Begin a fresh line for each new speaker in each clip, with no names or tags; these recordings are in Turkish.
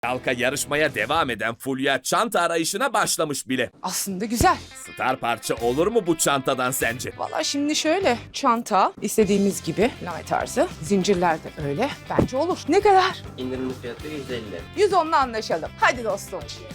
Halka yarışmaya devam eden Fulya çanta arayışına başlamış bile.
Aslında güzel.
Star parça olur mu bu çantadan sence?
Valla şimdi şöyle çanta istediğimiz gibi lame tarzı. Zincirler de öyle. Bence olur. Ne kadar?
İndirimli fiyatı 150.
110'la anlaşalım. Hadi dostum.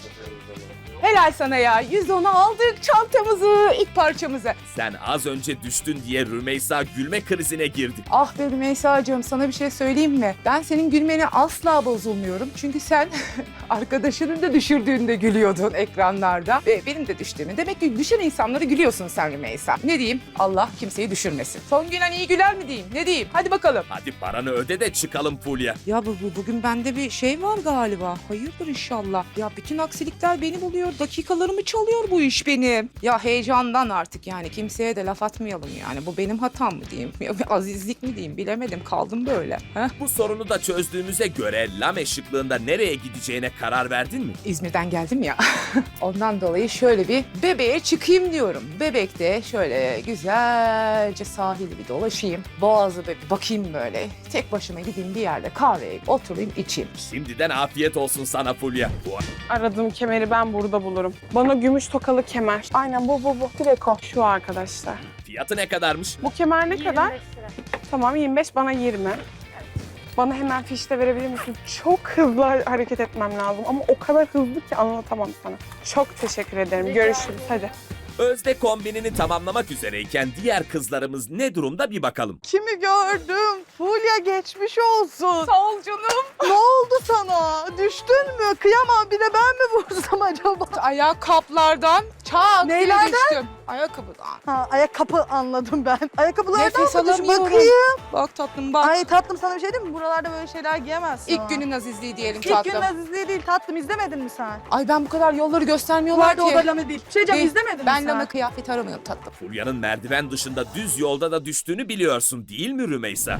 Helal sana ya. 110'a aldık çantamızı, ilk parçamızı.
Sen az önce düştün diye Rümeysa gülme krizine girdi.
Ah be Rümeysa'cığım, sana bir şey söyleyeyim mi? Ben senin gülmene asla bozulmuyorum. Çünkü sen arkadaşının da düşürdüğünde gülüyordun ekranlarda. Ve benim de düştüğümü. Demek ki düşen insanları gülüyorsun sen Rümeysa. Ne diyeyim? Allah kimseyi düşürmesin. Son gülen iyi güler mi diyeyim? Ne diyeyim? Hadi bakalım.
Hadi paranı öde de çıkalım Fulya.
Ya bugün bende bir şey var galiba. Hayırdır inşallah. Ya bütün aksilikler beni buluyor. Dakikalarımı çalıyor bu iş benim. Ya heyecandan artık yani kimseye de laf atmayalım yani. Bu benim hatam mı diyeyim? Azizlik mi diyeyim? Bilemedim. Kaldım böyle. Heh.
Bu sorunu da çözdüğümüze göre Lame şıklığında nereye gideceğine karar verdin mi?
İzmir'den geldim ya. Ondan dolayı şöyle bir bebeğe çıkayım diyorum. Bebekte şöyle güzelce sahili bir dolaşayım. Boğazı bir bakayım böyle. Tek başıma gideyim bir yerde kahveye oturayım içeyim.
Şimdiden afiyet olsun sana Fulya.
Aradığım kemeri ben burada bulurum. Bana gümüş tokalı kemer. Aynen bu. Direkt o. Şu arkadaşlar.
Fiyatı ne kadarmış?
Bu kemer ne kadar? Tamam 25 bana 20. Bana hemen fişte verebilir misin? Çok hızlı hareket etmem lazım ama o kadar hızlı ki anlatamam sana. Çok teşekkür ederim. Görüşürüz. Hadi.
Özde kombinini tamamlamak üzereyken diğer kızlarımız ne durumda bir bakalım.
Kimi gördüm? Fulya geçmiş olsun.
Sağ ol canım.
Ne oldu sana? Düştün mü? Kıyamam, bir de ben mi vursam acaba?
Ayakkabılardan çat diye
Neylerden?
düştüm. Ayakkabıdan.
Ha, ayakkabı anladım ben. Ayakkabılardan
Nefes
mı düş?
alamıyorum.
Bakayım.
Bak tatlım bak.
Ay tatlım, sana bir şey diyeyim mi? Buralarda böyle şeyler giyemezsin.
İlk
ha.
günün azizliği diyelim
İlk
tatlım.
günün azizliği değil tatlım, izlemedin mi sen?
Ay ben bu kadar yolları
Bu
göstermiyorlar
arada o
ki.
da lame değil. Bir şey diyeceğim,
Değil.
izlemedin mi
Ben
sen?
lame kıyafet aramıyorum tatlım.
Fulya'nın merdiven dışında düz yolda da düştüğünü biliyorsun değil mi Rümeysa?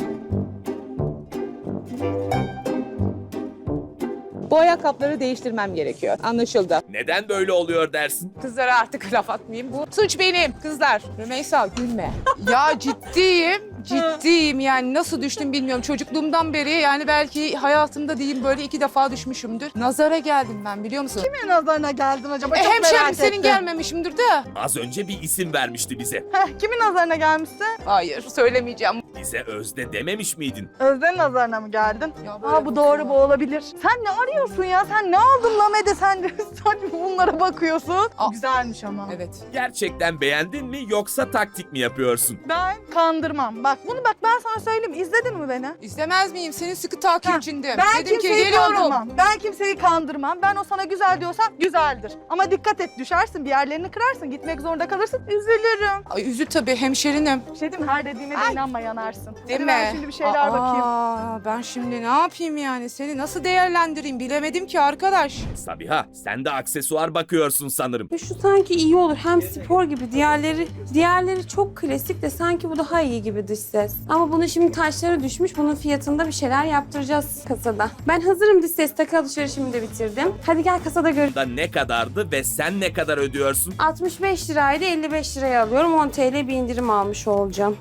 Bu ayakkabıları değiştirmem gerekiyor. Anlaşıldı.
Neden böyle oluyor dersin?
Kızlara artık laf atmayayım. Bu suç benim. Kızlar. Rümeysa gülme. Ya ciddiyim. Ciddiyim yani nasıl düştüm bilmiyorum. Çocukluğumdan beri yani belki hayatımda diyeyim böyle 2 defa düşmüşümdür. Nazara geldim ben biliyor musun?
Kimin nazarına geldin acaba? Çok
Hemşerim
merak
senin
ettim.
gelmemişimdir de.
Az önce bir isim vermişti bize.
Kimin nazarına gelmişsin?
Hayır söylemeyeceğim.
Bize Özde dememiş miydin?
Özden'in nazarına mı geldin?
Ya böyle
Aa, bu doğru, bu olabilir. Sen ne arıyorsun ya? Sen ne aldın Lame'de sen bunlara bakıyorsun?
Aa.
Güzelmiş ama.
Evet.
Gerçekten beğendin mi yoksa taktik mi yapıyorsun?
Ben kandırmam. Bak bunu ben sana söyleyeyim. İzledin mi beni?
İzlemez miyim? Senin sıkı takipçindim.
Ben
Dedim ki
kimseyi
geliyorum.
kandırmam. Ben kimseyi kandırmam. Ben o sana güzel diyorsam güzeldir. Ama dikkat et, düşersin, bir yerlerini kırarsın, gitmek zorunda kalırsın, üzülürüm.
Ay üzül tabii hemşerinim.
Bir şey diyeyim mi? Her dediğime de
Ay.
inanma, yanarsın.
Değil
Hadi
mi?
ben şimdi bir şeyler bakayım.
Ben şimdi ne yapayım yani? Seni nasıl değerlendireyim bilemedim ki arkadaş.
Sabiha sen de aksesuar bakıyorsun sanırım.
Şu sanki iyi olur. Hem spor gibi. Diğerleri çok klasik de sanki bu daha iyi gibi dış ses. Ama bunun şimdi taşları düşmüş. Bunun fiyatında bir şeyler yaptıracağız kasada. Ben hazırım dış ses. Takı alışverişimi de bitirdim. Hadi gel kasada görüşelim.
Da ne kadardı ve sen ne kadar ödüyorsun?
65 liraydı. 55 liraya alıyorum. 10 TL bir indirim almış olacağım.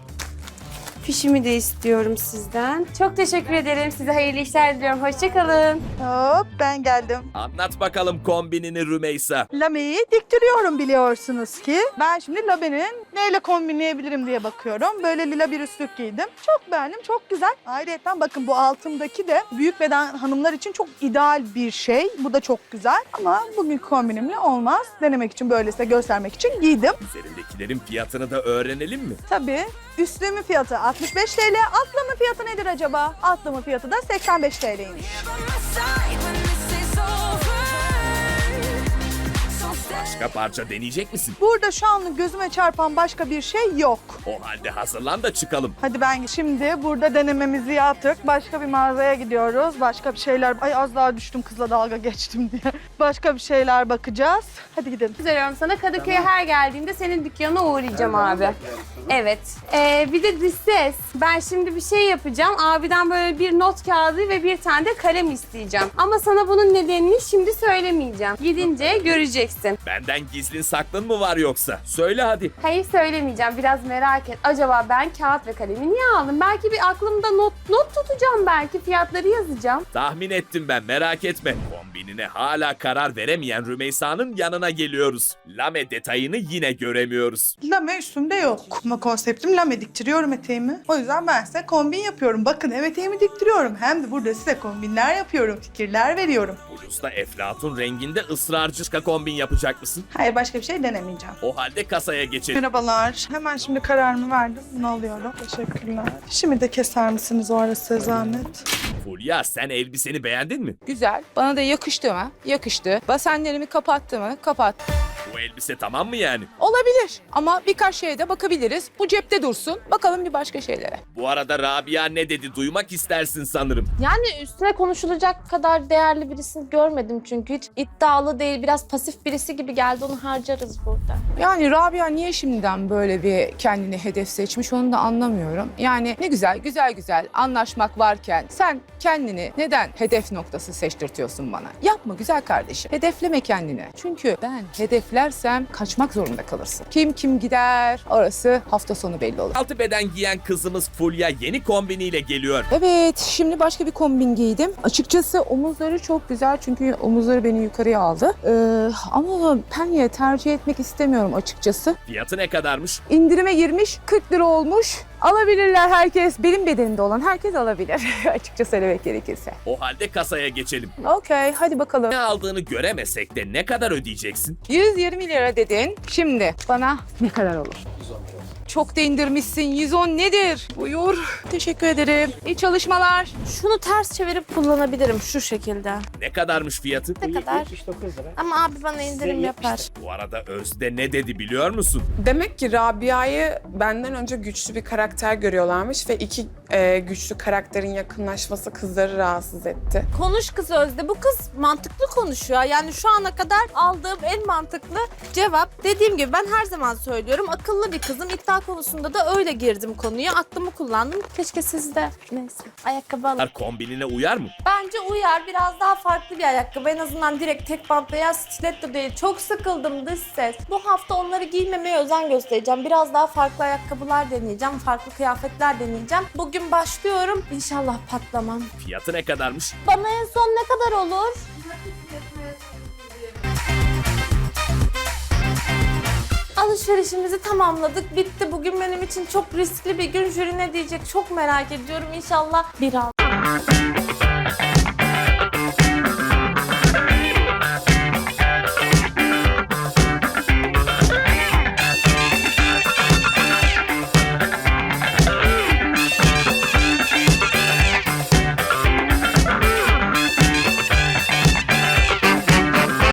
Fişimi de istiyorum sizden. Çok teşekkür ederim. Size hayırlı işler diliyorum. Hoşçakalın.
Hop, ben geldim.
Anlat bakalım kombinini Rümeysa.
Lame'yi diktiriyorum biliyorsunuz ki. Ben şimdi Lame'nin neyle kombinleyebilirim diye bakıyorum. Böyle lila bir üstlük giydim. Çok beğendim, çok güzel. Ayrıca bakın bu altımdaki de büyük beden hanımlar için çok ideal bir şey. Bu da çok güzel ama bugünkü kombinimle olmaz. Denemek için, böylese göstermek için giydim.
Üzerindekilerin fiyatını da öğrenelim mi?
Tabii üstlüğümün fiyatı 65 TL. Altlamın fiyatı nedir acaba? Altlamın fiyatı da 85 TL'ymiş.
Başka parça deneyecek misin?
Burada şu anlık gözüme çarpan başka bir şey yok.
O halde hazırlan da çıkalım.
Hadi ben şimdi burada denememizi yaptık. Başka bir mağazaya gidiyoruz. Başka bir şeyler... Ay az daha düştüm, kızla dalga geçtim diye. Başka bir şeyler bakacağız. Hadi gidelim.
Üzeriyorum sana. Kadıköy'e her geldiğimde senin dükkanına uğrayacağım abi. Evet. Bir de dış ses. Ben şimdi bir şey yapacağım. Abiden böyle bir not kağıdı ve bir tane de kalem isteyeceğim. Ama sana bunun nedenini şimdi söylemeyeceğim. Gidince göreceksin.
Benden Benden gizlin saklın mı var yoksa? Söyle hadi.
Hayır söylemeyeceğim. Biraz merak et. Acaba ben kağıt ve kalemi niye aldım? Belki bir aklımda not tutacağım belki. Fiyatları yazacağım.
Tahmin ettim ben, merak etme. Kombinine hala karar veremeyen Rümeysa'nın yanına geliyoruz. Lame detayını yine göremiyoruz.
Lame üstümde yok. Ama konseptim lame, diktiriyorum eteğimi. O yüzden ben size kombin yapıyorum. Bakın hem eteğimi diktiriyorum hem de burada size kombinler yapıyorum, fikirler veriyorum.
Bluzda eflatun renginde ısrarcı kombin yapacak mısın?
Hayır, başka bir şey denemeyeceğim.
O halde kasaya geçelim.
Merhabalar. Hemen şimdi kararımı verdim. Bunu alıyorum. Teşekkürler. Şimdi de keser misiniz o ara size zahmet?
Fulya, sen elbiseni beğendin mi?
Güzel. Bana da yakıştı mı? Yakıştı. Basenlerimi kapattı mı? Kapattı.
Bu elbise tamam mı yani?
Olabilir ama birkaç şeye de bakabiliriz. Bu cepte dursun. Bakalım bir başka şeylere.
Bu arada Rabia ne dedi duymak istersin sanırım.
Yani üstüne konuşulacak kadar değerli birisini görmedim çünkü hiç iddialı değil, biraz pasif birisi gibi geldi, onu harcarız burada.
Yani Rabia niye şimdiden böyle bir kendini hedef seçmiş onu da anlamıyorum. Yani ne güzel, güzel anlaşmak varken sen kendini neden hedef noktası seçtirtiyorsun bana? Yapma güzel kardeşim. Hedefleme kendini. Çünkü ben hedeflersem kaçmak zorunda kalırsın. Kim gider orası hafta sonu belli olur.
Altı beden giyen kızımız Fulya yeni kombiniyle geliyor.
Evet, şimdi başka bir kombin giydim. Açıkçası omuzları çok güzel çünkü omuzları beni yukarıya aldı. Ama penye tercih etmek istemiyorum açıkçası.
Fiyatı ne kadarmış?
İndirime girmiş, 40 lira olmuş. Alabilirler herkes. Benim bedenimde olan herkes alabilir. Açıkça söylemek gerekirse.
O halde kasaya geçelim.
Okey, hadi bakalım.
Ne aldığını göremesek de ne kadar ödeyeceksin?
120 lira dedin. Şimdi bana ne kadar olur? Çok da indirmişsin. 110 nedir? Buyur. Teşekkür ederim. İyi çalışmalar.
Şunu ters çevirip kullanabilirim şu şekilde.
Ne kadarmış fiyatı?
Ne kadar? Ama abi bana indirim yapar.
Bu arada Özde ne dedi biliyor musun?
Demek ki Rabia'yı benden önce güçlü bir karakter görüyorlarmış ve iki güçlü karakterin yakınlaşması kızları rahatsız etti.
Konuş kız Özde. Bu kız mantıklı konuşuyor. Yani şu ana kadar aldığım en mantıklı cevap. Dediğim gibi ben her zaman söylüyorum. Akıllı bir kızım. İddia konusunda da öyle girdim konuya. Aklımı kullandım. Keşke siz de neyse ayakkabı alın.
Kombinine uyar mı?
Bence uyar. Biraz daha farklı bir ayakkabı. En azından direkt tek bant veya stiletto değil. Çok sıkıldım dış ses. Bu hafta onları giymemeye özen göstereceğim. Biraz daha farklı ayakkabılar deneyeceğim. Farklı kıyafetler deneyeceğim. Bugün başlıyorum. İnşallah patlamam.
Fiyatı ne kadarmış?
Bana en son ne kadar olur? Alışverişimizi tamamladık. Bitti. Bugün benim için çok riskli bir gün. Jüri ne diyecek çok merak ediyorum. İnşallah bir al.